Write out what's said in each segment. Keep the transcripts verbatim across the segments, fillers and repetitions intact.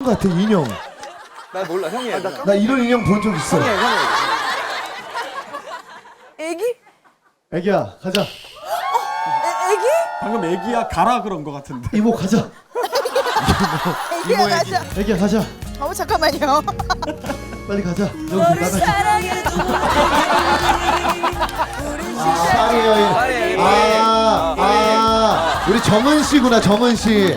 같아 인형. 나 몰라 형이야. 나, 나 이런 인형 본 적 있어. 형이야 형이야. 애기? 애기야 가자. 애, 애기? 방금 애기야 가라 그런 거 같은데. 이모 가자. 애기야 가자. 애기야 가자. 어 잠깐만요. 빨리 가자. 여기 너를 나가자. 사랑해도 아, 파리 여인. 파리, 아, 아, 우리 정은 씨구나, 정은 씨.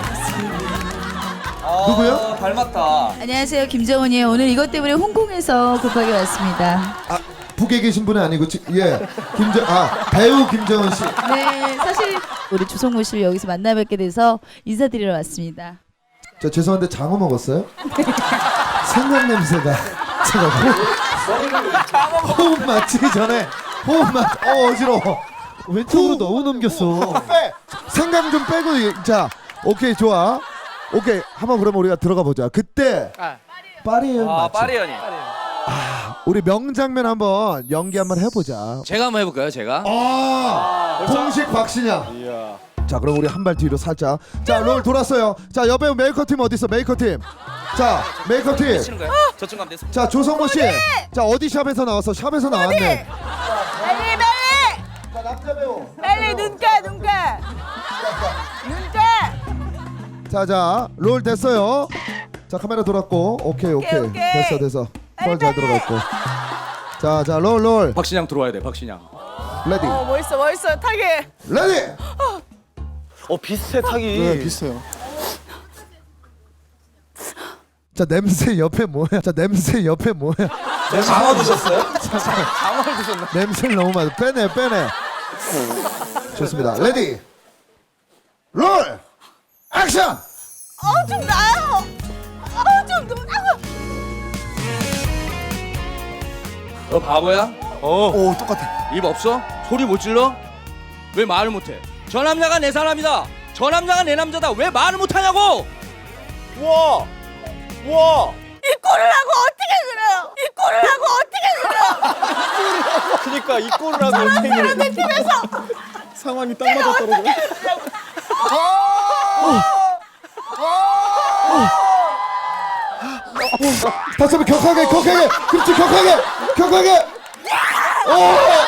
누구요? 아, 닮았다. 안녕하세요, 김정은이에요. 오늘 이것 때문에 홍콩에서 급하게 왔습니다. 아, 북에 계신 분은 아니고, 지, 예, 김정, 아, 배우 김정은 씨. 네, 사실 우리 조성모 씨를 여기서 만나 뵙게 돼서 인사드리러 왔습니다. 저 죄송한데 장어 먹었어요? 생강 냄새가 제가 호흡, 호흡 맞기 전에 호흡 맞, 어 어지러워. 왼쪽으로 너무 넘겼어. 빼. 생강 좀 빼고 자, 오케이 좋아. 오케이 한번 그러면 우리가 들어가 보자. 그때 파리 여인 아 맞지? 파리 연이. 우리 명장면 한번 연기 한번 해보자. 제가 한번 해볼까요 제가? 아, 공식 박신양. 자 그럼 우리 한 발 뒤로 살짝. 자 롤 돌았어요. 자 여배우 메이커 팀 어디 있어? 메이커 팀. 자 메이커 팀. 치는 거야? 저쪽 가면 됐어. 자 조성모 씨. 자 어디 샵에서 나왔어? 샵에서 나왔네. 빨리 빨리 자 남자 배우. 빨리 눈가 눈가 눈가. 자자 롤 됐어요. 자 카메라 돌았고 오케이 오케이, 오케이, 오케이. 됐어 됐어. 펄 잘 빨리. 들어갔고. 자자 롤 롤. 박신양 들어와야 돼 박신양. 레디. 어 멋있어 멋있어 타게. 레디. 어 비슷해 타기. 네 비슷해요. 자 냄새 옆에 뭐야? 자 냄새 옆에 뭐야? 장어 드셨어요? 장어를 드셨나? 냄새를 너무 많아. 빼내 빼내. 좋습니다. 레디. 롤. 액션. 어좀 나요. 어좀 누나고. 너 바보야? 어. 오 똑같아. 입 없어? 소리 못 질러? 왜 말을 못해? 저 남자가 내 사람이다. 저 남자가 내 남자다. 왜 말을 못하냐고? 와. 와. 이 꼴을 하고 어떻게 그래요? 이 꼴을 하고 어떻게 그래요? 그러니까 이 꼴을 하고 어떻게 그래. 내 팀에서 상황이 딱 맞아 떨어져. 다시 한번 격하게 격하게 그렇지 격하게 격하게 오